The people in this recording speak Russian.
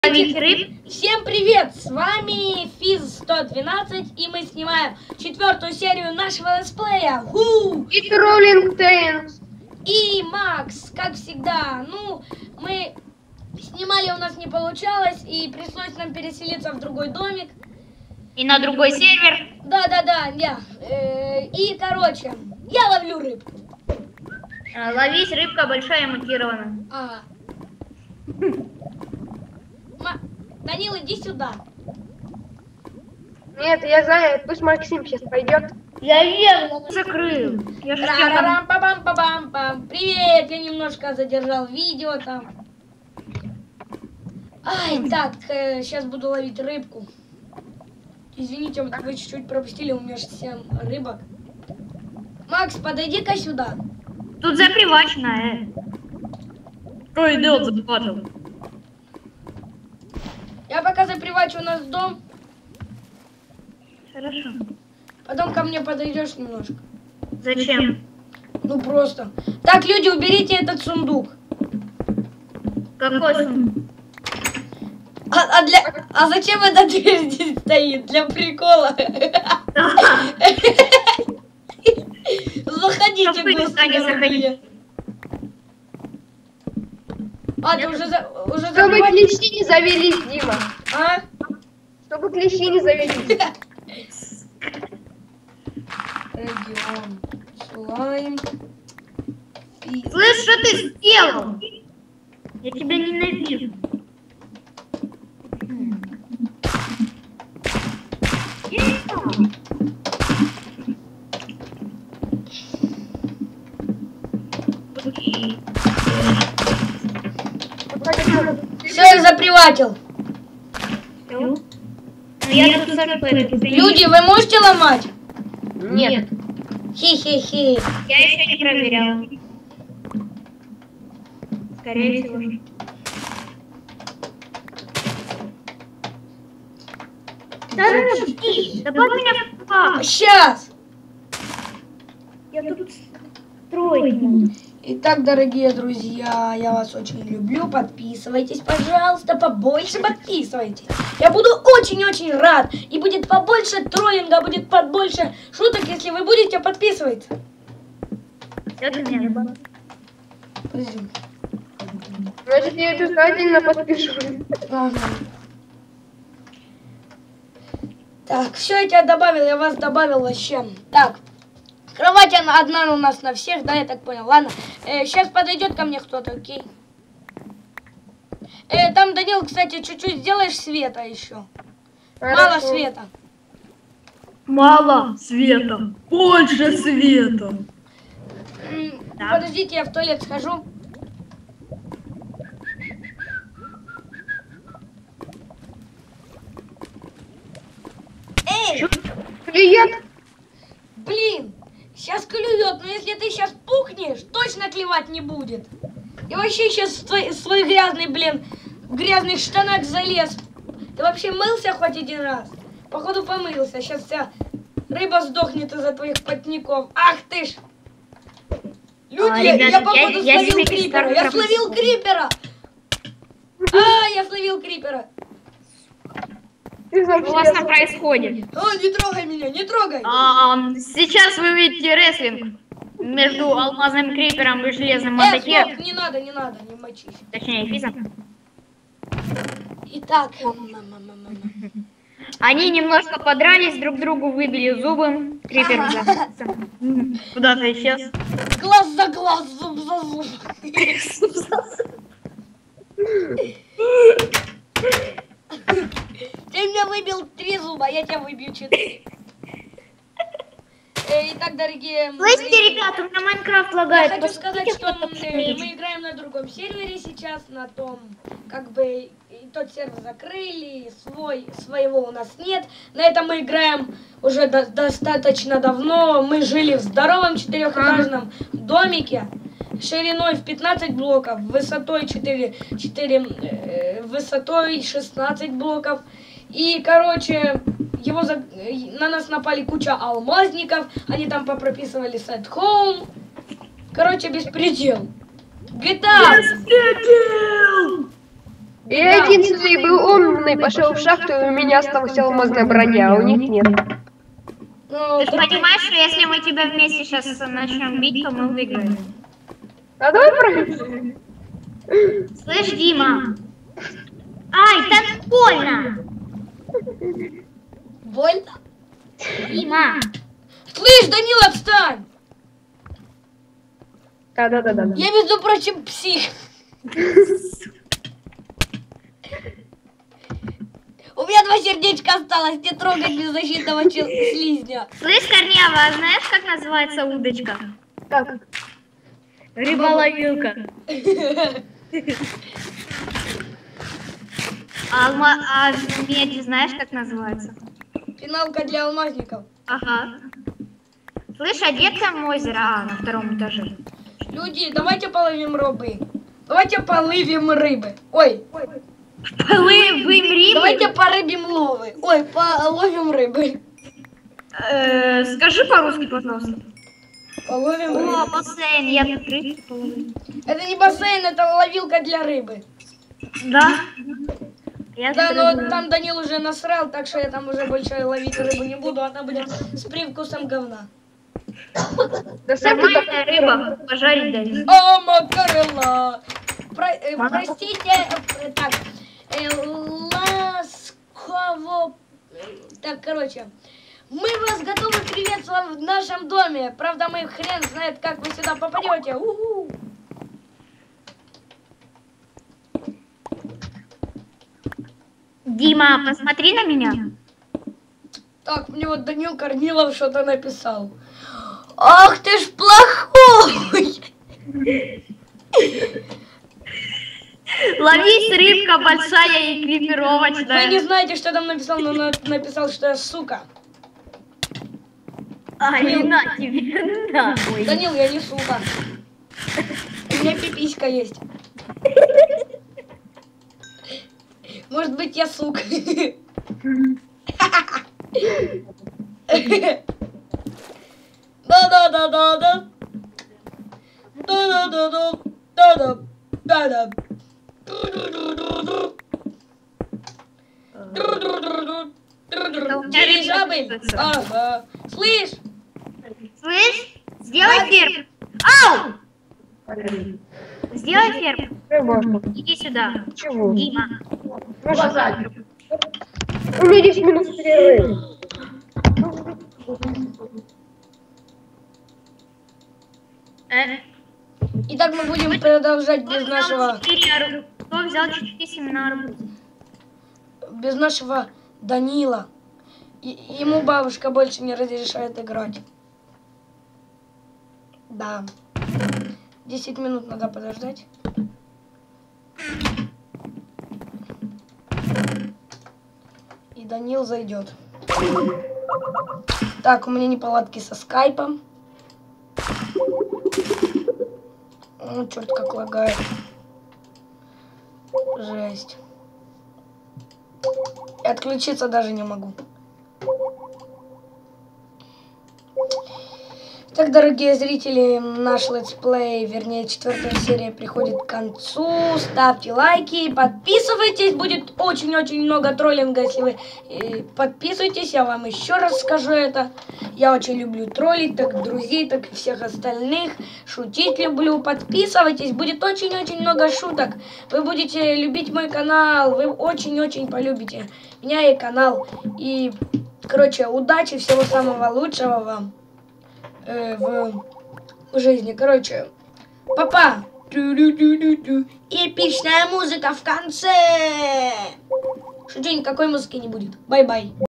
Всем привет! С вами Физ 112 и мы снимаем 4-ю серию нашего летсплея. И Троллинг Тейнс. И Макс, как всегда. Ну, мы снимали, у нас не получалось, и пришлось нам переселиться в другой домик. И на другой сервер. Да. И, короче, я ловлю рыбку. Ловись, рыбка большая, мутирована. Данил, иди сюда. Нет, я занят, пусть Максим сейчас пойдет. Я верно закрыл. Я же Ра-ра-рам-па-бам-па-бам-пам. Привет, я немножко задержал видео там. Ай, так, сейчас буду ловить рыбку. Извините, вот вы чуть-чуть пропустили, у меня же 7 рыбок. Макс, подойди-ка сюда. Тут запривачено, Ой, идет захватывал. Я пока запривачу у нас дом. Хорошо. Потом ко мне подойдешь немножко. Зачем? Ну просто. Так, люди, уберите этот сундук. Какой сундук? А зачем эта дверь здесь стоит? Для прикола. Заходите быстро. Заходи. А, ты уже Чтобы клещи не завелись, Дима. А? Чтобы клещи не завелись. Регион. Слайм. Слышь, что ты сделал? Я тебя ненавижу. Все, я заприватил. Люди, вы можете ломать? Нет. Хи-хи-хи. Я еще не проверял. Скорее всего. Добавь меня в пак. Сейчас. Я тут строить. Итак, дорогие друзья, я вас очень люблю. Подписывайтесь, пожалуйста, побольше подписывайтесь. Я буду очень-очень рад. И будет побольше троллинга, будет побольше шуток, если вы будете подписываться. Подожди. Значит, я обязательно подпишу. Ага. Так, все, я тебя добавил, я вас добавил вообще. Так, кровать одна у нас на всех, да, я так понял. Ладно, сейчас подойдет ко мне кто-то, окей. Там, Данил, кстати, чуть-чуть сделаешь света еще. Хорошо. Мало света. Мало света, больше света. Подождите, я в туалет схожу. Эй! Клиент. Блин, сейчас клюет, но если ты сейчас пухнешь, точно клевать не будет. И вообще сейчас свой грязный, блин, в грязных штанах залез. Ты вообще мылся хоть один раз? Походу помылся, сейчас вся рыба сдохнет из-за твоих потников. Ах ты ж! Люди, ребята, я походу я словил себе крипера, кристалл я словил пропустил. крипера! Я словил крипера! Ты Что у вас там вообще... происходит? Не трогай меня, не трогай! Сейчас вы видите рестлинг между алмазным крипером и железным Стоп, мотокером. не надо, не мочись. Точнее, физом. Итак, Они немножко подрались, друг другу выбили зубы. Крипер куда-то исчез. глаз за глаз, зуб за зуб. Ты меня выбил 3 зуба, я тебя выбью 4. Итак, дорогие... Слышите, ребята, у меня Майнкрафт Я лагает. хочу сказать, Посмотрите, что кто мы посмотрите. играем на другом сервере сейчас, на том, как бы, и тот сервер закрыли, своего у нас нет. На этом мы играем уже достаточно давно. Мы жили в здоровом 4-этажном домике, шириной в 15 блоков, высотой высотой 16 блоков. И, короче, на нас напали куча алмазников, они там попрописывали set home. Короче, беспредел. GTA! Я единственный был умный, пошел в шахту, и у меня осталась алмазная броня, а у них нет. Ну, Ты же так понимаешь, что если мы тебя вместе сейчас начнем бить, то мы выиграем. А давай проверим. Слышь, Дима? Ай, так больно! больно. Дима! Слышь, Данил, отстань! Да. Я, между прочим, псих. У меня 2 сердечка осталось, не трогать беззащитного слизня. Слышь, Корнева, а знаешь, как называется удочка? Так. Рыболовилка. А медь знаешь, как называется? Финалка для алмазников. Ага. Слышь, а где там озеро? А, на 2-м этаже. Люди, давайте половим рыбы. Давайте половим рыбы. Ой, Половим рыбы? давайте порыбим ловы. Ой, половим рыбы. Скажи по-русски, пожалуйста. Половим О, рыбы. бассейн, я тут рыбки половлю. Это не бассейн, это ловилка для рыбы. Да? Я Да, тут но рыбу- там Данил уже насрал, так что я там уже больше ловить рыбу не буду. Она будет с привкусом говна. Да сам ты Нормальная рыба, пожарить дали. О, макарела! Простите, так, ласково... Так, короче, мы вас готовы приветствовать в нашем доме. Правда, мы хрен знает, как вы сюда попадете. У-ху. Дима, посмотри на меня. Так, мне вот Данил Корнилов что-то написал. Ах ты ж плохой! Ловись, рыбка большая и Вы не крепировочная. знаете, что там написал, но написал, что я сука. Ай, на тебе, нахуй. Данил, я не сука. У меня пиписька есть. Может быть, я сука. Да-да-да-да-да. Да-да-да-да. Да-да. Да-да. Дирижабль. Ага. Слышь, Слышь, сделай ферм. Ау! Сделай ферм. Рыбошка. Иди сюда. Чего? Дима. У меня 10 минут перерыв. итак, мы будем продолжать без нашего Кто взял 4 семена арбуза? без нашего Данила. Ему бабушка больше не разрешает играть. Да. 10 минут надо подождать. И Данил зайдет. Так, у меня неполадки со скайпом. Ну, черт, как лагает. Жесть. И отключиться даже не могу. Так, дорогие зрители, наш летсплей, вернее, 4-я серия приходит к концу. Ставьте лайки, подписывайтесь. Будет очень-очень много троллинга, если вы подписывайтесь. Я вам еще раз скажу это. Я очень люблю троллить, так друзей, так и всех остальных. Шутить люблю. Подписывайтесь, будет очень-очень много шуток. Вы будете любить мой канал, вы очень-очень полюбите меня и канал. И, короче, удачи, всего самого лучшего вам в жизни. Короче, папа. Эпичная музыка в конце. Шучу, никакой музыки не будет. Бай-бай.